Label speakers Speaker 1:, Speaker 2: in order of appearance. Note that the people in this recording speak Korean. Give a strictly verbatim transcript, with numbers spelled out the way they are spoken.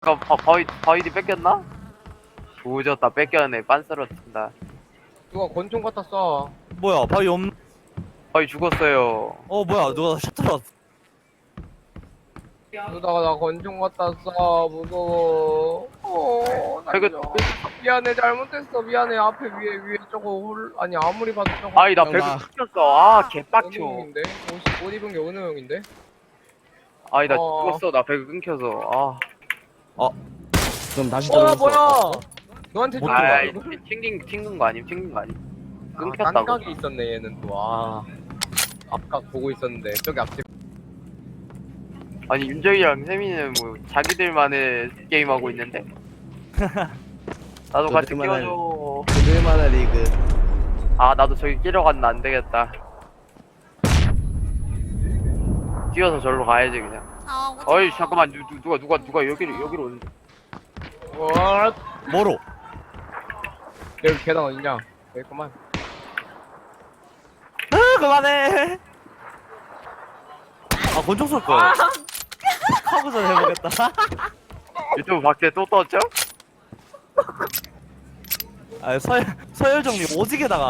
Speaker 1: 아, 바, 바위, 바위디 뺏겼나? 조졌다, 뺏겼네. 빤스러친다.
Speaker 2: 누가 권총 갖다 쏴.
Speaker 3: 뭐야 바위 없..
Speaker 1: 바위 죽었어요.
Speaker 3: 어 뭐야 누가 셔틀 왔어.
Speaker 2: 그러다가 나 권총 갖다 쏴. 무서워. 어, 나
Speaker 1: 이거-
Speaker 2: 이거 미안해, 잘못했어. 미안해. 앞에 위에 위에 저거 홀 아니 아무리 봐도 저거.
Speaker 1: 아이, 나
Speaker 3: 형,
Speaker 1: 배그
Speaker 3: 나-
Speaker 1: 끊겼어. 아,
Speaker 2: 은우
Speaker 1: 개빡쳐.
Speaker 2: 형인데. 옷, 옷 입은 게 은우 형인데.
Speaker 1: 아이, 나
Speaker 2: 어.
Speaker 1: 죽었어. 나 배그 끊겨서. 아.
Speaker 3: 그럼 다시
Speaker 2: 어,
Speaker 3: 들어올 수
Speaker 2: 뭐야?
Speaker 3: 없어.
Speaker 2: 너한테
Speaker 3: 못
Speaker 2: 준
Speaker 3: 들어와,
Speaker 2: 거야,
Speaker 1: 아이,
Speaker 2: 이거?
Speaker 1: 튕긴, 튕긴 거 아님? 튕긴 거 아님?
Speaker 2: 아,
Speaker 1: 끊겼다고.
Speaker 2: 딴각이 있었네 얘는 또. 아, 앞각 보고 있었는데 저기 앞집.
Speaker 1: 아니, 윤정이랑 세민이는 뭐, 자기들만의 게임하고 있는데? 나도 같이
Speaker 3: 저들만의-
Speaker 1: 끼워줘.
Speaker 3: 그들만의 리그.
Speaker 1: 아, 나도 저기 끼러 갔나 안 되겠다. 뛰어서 절로 가야지, 그냥.
Speaker 4: 아, 오지
Speaker 1: 어이,
Speaker 4: 마.
Speaker 1: 잠깐만. 누, 누, 누가, 누가, 누가 여기로, 여기로 오는.
Speaker 2: 와,
Speaker 3: 뭐로?
Speaker 2: 여기 계단 어딨냐? 여기 있구만.
Speaker 3: 아 그만해. 아 권총 쏠 걸. 카부전 해보겠다.
Speaker 1: 유튜브 밖에 또 떴죠?
Speaker 3: 아 서열 서열 정리 오지게 당하.